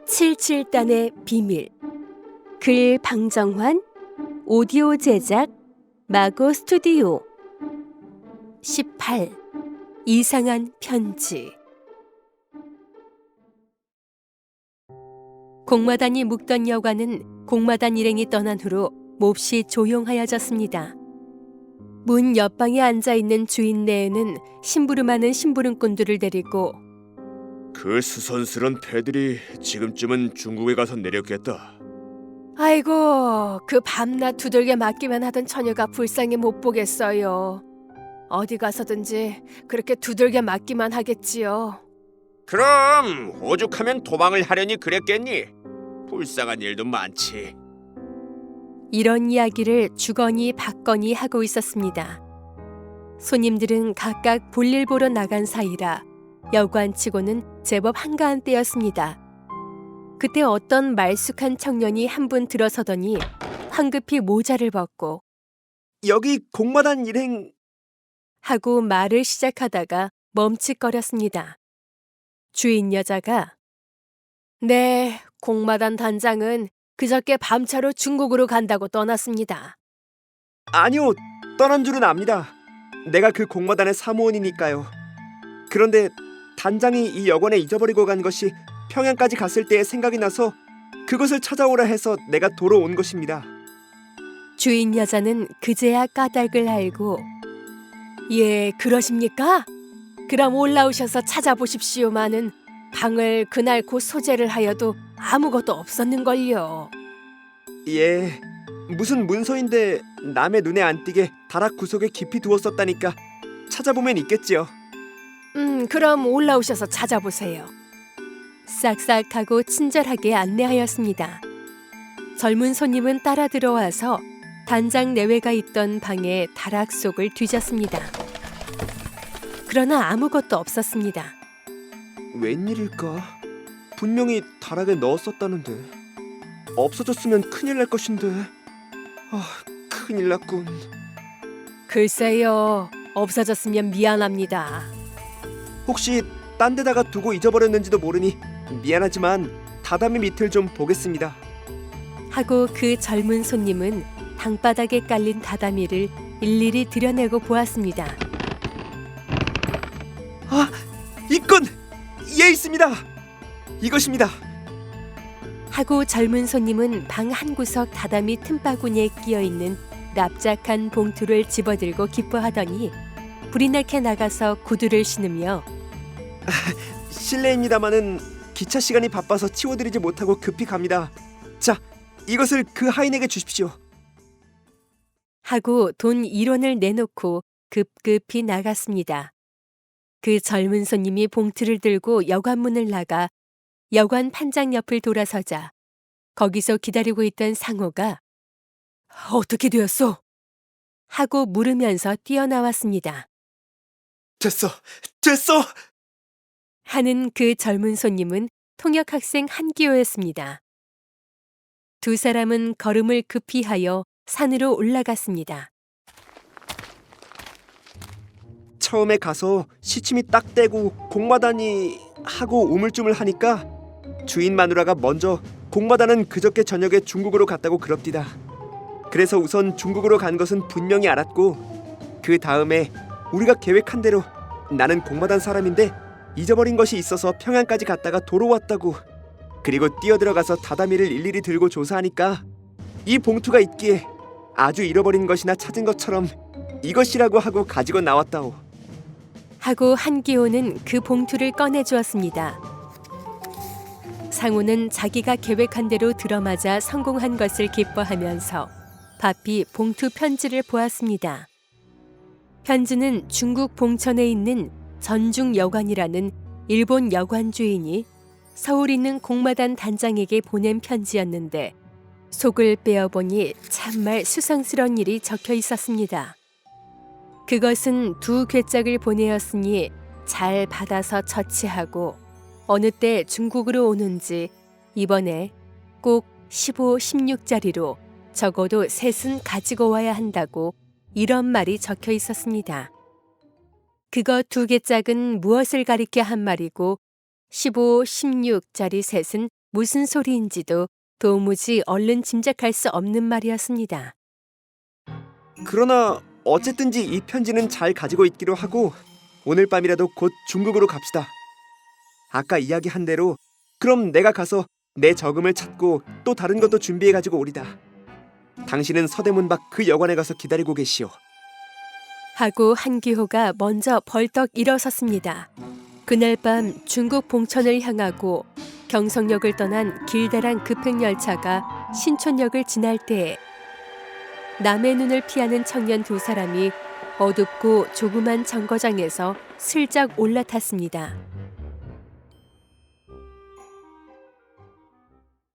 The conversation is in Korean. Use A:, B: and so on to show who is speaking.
A: 77단의 비밀. 글 방정환, 오디오 제작 마고 스튜디오. 18. 이상한 편지. 공마단이 묵던 여관은 공마단 일행이 떠난 후로 몹시 조용하여졌습니다. 문 옆방에 앉아있는 주인네에는 심부름하는 심부름꾼들을 데리고
B: 그 수선스런 패들이 지금쯤은 중국에 가서 내렸겠다.
A: 아이고, 그 밤낮 두들겨 맞기만 하던 처녀가 불쌍히 못 보겠어요. 어디 가서든지 그렇게 두들겨 맞기만 하겠지요.
B: 그럼 오죽하면 도망을 하려니 그랬겠니? 불쌍한 일도 많지.
A: 이런 이야기를 주거니 받거니 하고 있었습니다. 손님들은 각각 볼일 보러 나간 사이라 여관치고는 제법 한가한 때였습니다. 그때 어떤 말쑥한 청년이 한 분 들어서더니 황급히 모자를 벗고
B: 여기 공마단 일행...
A: 하고 말을 시작하다가 멈칫거렸습니다. 주인 여자가 네, 공마단 단장은 그저께 밤차로 중국으로 간다고 떠났습니다.
C: 아니요, 떠난 줄은 압니다. 내가 그 공마단의 사무원이니까요. 그런데 단장이 이 여관에 잊어버리고 간 것이 평양까지 갔을 때의 생각이 나서 그것을 찾아오라 해서 내가 도로 온 것입니다.
A: 주인 여자는 그제야 까닭을 알고 예, 그러십니까? 그럼 올라오셔서 찾아보십시오마는 방을 그날 곧 소재를 하여도 아무것도 없었는걸요.
C: 예, 무슨 문서인데 남의 눈에 안 띄게 다락 구석에 깊이 두었었다니까 찾아보면 있겠지요.
A: 그럼 올라오셔서 찾아보세요. 싹싹하고 친절하게 안내하였습니다. 젊은 손님은 따라 들어와서 단장 내외가 있던 방의 다락 속을 뒤졌습니다. 그러나 아무것도 없었습니다.
C: 웬일일까? 분명히 다락에 넣었었다는데 없어졌으면 큰일 날 것인데. 큰일 났군.
A: 글쎄요, 없어졌으면 미안합니다.
C: 혹시 딴 데다가 두고 잊어버렸는지도 모르니 미안하지만 다다미 밑을 좀 보겠습니다.
A: 하고 그 젊은 손님은 방바닥에 깔린 다다미를 일일이 들여내고 보았습니다.
C: 있군! 예, 있습니다! 이것입니다.
A: 하고 젊은 손님은 방 한 구석 다다미 틈바구니에 끼어있는 납작한 봉투를 집어들고 기뻐하더니 불이 나게 나가서 구두를 신으며
C: 실례입니다마는 기차 시간이 바빠서 치워드리지 못하고 급히 갑니다. 자, 이것을 그 하인에게 주십시오.
A: 하고 돈 1원을 내놓고 급급히 나갔습니다. 그 젊은 손님이 봉투를 들고 여관문을 나가 여관 판장 옆을 돌아서자 거기서 기다리고 있던 상호가 어떻게 되었소? 하고 물으면서 뛰어나왔습니다.
C: 됐어!
A: 하는 그 젊은 손님은 통역학생 한기호였습니다. 두 사람은 걸음을 급히 하여 산으로 올라갔습니다.
C: 처음에 가서 시침이 딱 떼고 공마단이 하고 우물쭈물하니까 주인 마누라가 먼저 공마단은 그저께 저녁에 중국으로 갔다고 그럽디다. 그래서 우선 중국으로 간 것은 분명히 알았고 그 다음에 우리가 계획한 대로 나는 공마단 사람인데 잊어버린 것이 있어서 평양까지 갔다가 도로 왔다고. 그리고 뛰어들어가서 다다미를 일일이 들고 조사하니까 이 봉투가 있기에 아주 잃어버린 것이나 찾은 것처럼 이것이라고 하고 가지고 나왔다오.
A: 하고 한기호는 그 봉투를 꺼내주었습니다. 상우는 자기가 계획한 대로 들어맞아 성공한 것을 기뻐하면서 바삐 봉투 편지를 보았습니다. 편지는 중국 봉천에 있는 전중여관이라는 일본 여관 주인이 서울 있는 공마단 단장에게 보낸 편지였는데 속을 빼어보니 참말 수상스러운 일이 적혀 있었습니다. 그것은 두 괴짝을 보내었으니 잘 받아서 처치하고 어느 때 중국으로 오는지 이번에 꼭 15, 16짜리로 적어도 셋은 가지고 와야 한다고 이런 말이 적혀 있었습니다. 그거 두 개짝은 무엇을 가리켜 한 말이고 15, 16짜리 셋은 무슨 소리인지도 도무지 얼른 짐작할 수 없는 말이었습니다.
C: 그러나 어쨌든지 이 편지는 잘 가지고 있기로 하고 오늘 밤이라도 곧 중국으로 갑시다. 아까 이야기한 대로 그럼 내가 가서 내 저금을 찾고 또 다른 것도 준비해 가지고 오리다. 당신은 서대문 밖 그 여관에 가서 기다리고 계시오.
A: 하고 한기호가 먼저 벌떡 일어섰습니다. 그날 밤 중국 봉천을 향하고 경성역을 떠난 길다란 급행열차가 신촌역을 지날 때에 남의 눈을 피하는 청년 두 사람이 어둡고 조그만 정거장에서 슬쩍 올라탔습니다.